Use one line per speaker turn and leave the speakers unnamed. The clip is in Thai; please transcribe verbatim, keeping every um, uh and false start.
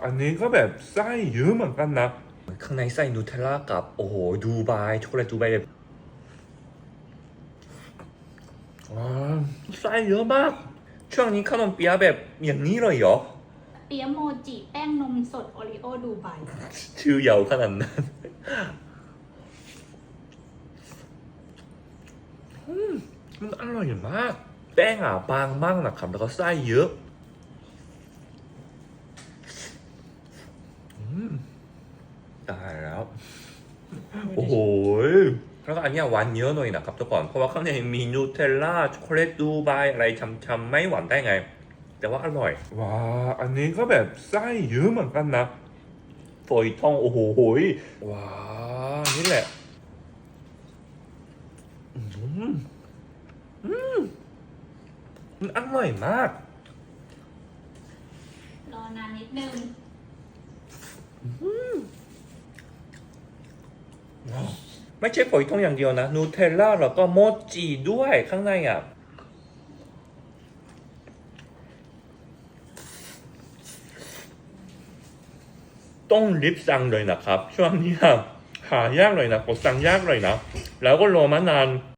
อันนี้ก็แบบไส้เยอะเหมือนกันนะ
ข้างในไส้นูเทลล่ากับโอ้โหดูไบช็อกโกแลตดูไบแบบว้าวไส้เยอะมากช่วงนี้ขนมเปี๊ยะแบบอย่างนี้เลยเหรอ
เปี๊ยะโมจิแป้งนมสดโอริโอดูไบ
ชื่อยาวขนาดนั้นอืมมันอร่อยมากแป้งอ่ะบางมากนะครับแล้วก็ไส้เยอะอืมตายแล้วโอ้โหแล้วก็อันเนี้ยหวานเยอะหน่อยนะครับทุกคนเพราะว่าข้างในมีนูเทลล่าช็อกโกแลตดูไบอะไรช้ำๆไม่หวานได้ไง แต่ว่าอร่อย
ว้าอันนี้ก็แบบไส้เยอะเหมือนกันนะ
ฝอยทองโอ้โหยว้านี่แหละอืมอืมมันอร่อยมาก
รอนานนิดนึง
ไม่ใช่ฝอยทองอย่างเดียวนะนูเทลล่าแล้วก็โมจิด้วยข้างในอ่ะต้องรีบสั่งเลยนะครับช่วงนี้หายากเลยนะกดสั่งยากเลยนะแล้วก็รอมานาน